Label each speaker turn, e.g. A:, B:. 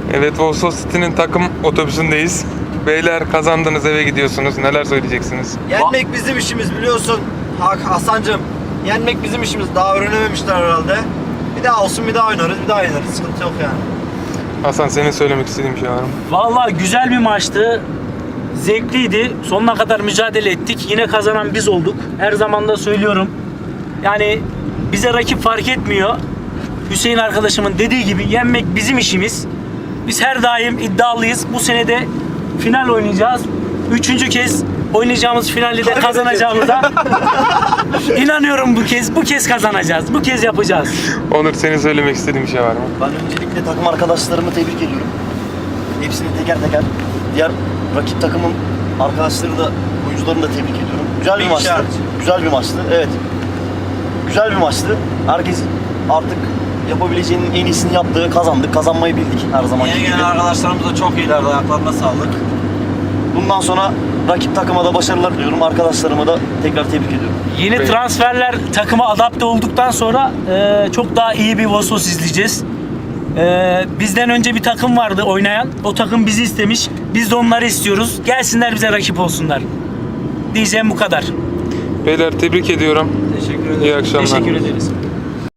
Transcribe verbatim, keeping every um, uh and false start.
A: Evet, Vosos City'nin takım otobüsündeyiz. Beyler kazandınız, eve gidiyorsunuz. Neler söyleyeceksiniz?
B: Yenmek bizim işimiz biliyorsun Hasan'cığım. Yenmek bizim işimiz. Daha öğrenememişler herhalde. Bir daha olsun, bir daha oynarız, bir daha oynarız. Sıkıntı yok yani.
A: Hasan, senin söylemek istediğin bir şey var mı?
C: Vallahi güzel bir maçtı. Zevkliydi. Sonuna kadar mücadele ettik. Yine kazanan biz olduk. Her zaman da söylüyorum. Yani bize rakip fark etmiyor. Hüseyin arkadaşımın dediği gibi yenmek bizim işimiz. Biz her daim iddialıyız. Bu sene de final oynayacağız. Üçüncü kez oynayacağımız finalde de kazanacağımıza inanıyorum bu kez. Bu kez kazanacağız. Bu kez yapacağız.
A: Onur, senin söylemek istediğin bir şey var mı?
D: Ben öncelikle takım arkadaşlarımı tebrik ediyorum. Hepsini teker teker. Diğer rakip takımın arkadaşları da, oyuncularını da tebrik ediyorum. Güzel bir
B: Bir
D: maçtı.
B: işaret.
D: Güzel bir maçtı. Evet. Güzel bir maçtı. Herkes artık yapabileceğinin en iyisini yaptı. Kazandık. Kazanmayı bildik her zaman
B: Yeni
D: gibi.
B: gelen arkadaşlarımız da çok iyilerdi. Ayaklarına sağlık.
D: Bundan sonra rakip takıma da başarılar diliyorum. Arkadaşlarıma da tekrar tebrik ediyorum.
C: Yeni
A: Peki.
C: transferler takıma adapte olduktan sonra e, çok daha iyi bir Vosos izleyeceğiz. E, bizden önce bir takım vardı oynayan. O takım bizi istemiş. Biz de onları istiyoruz. Gelsinler bize rakip olsunlar. Diyeceğim bu kadar.
A: Beyler, tebrik ediyorum.
B: Teşekkür ederim.
A: İyi akşamlar.
C: Teşekkür ederiz.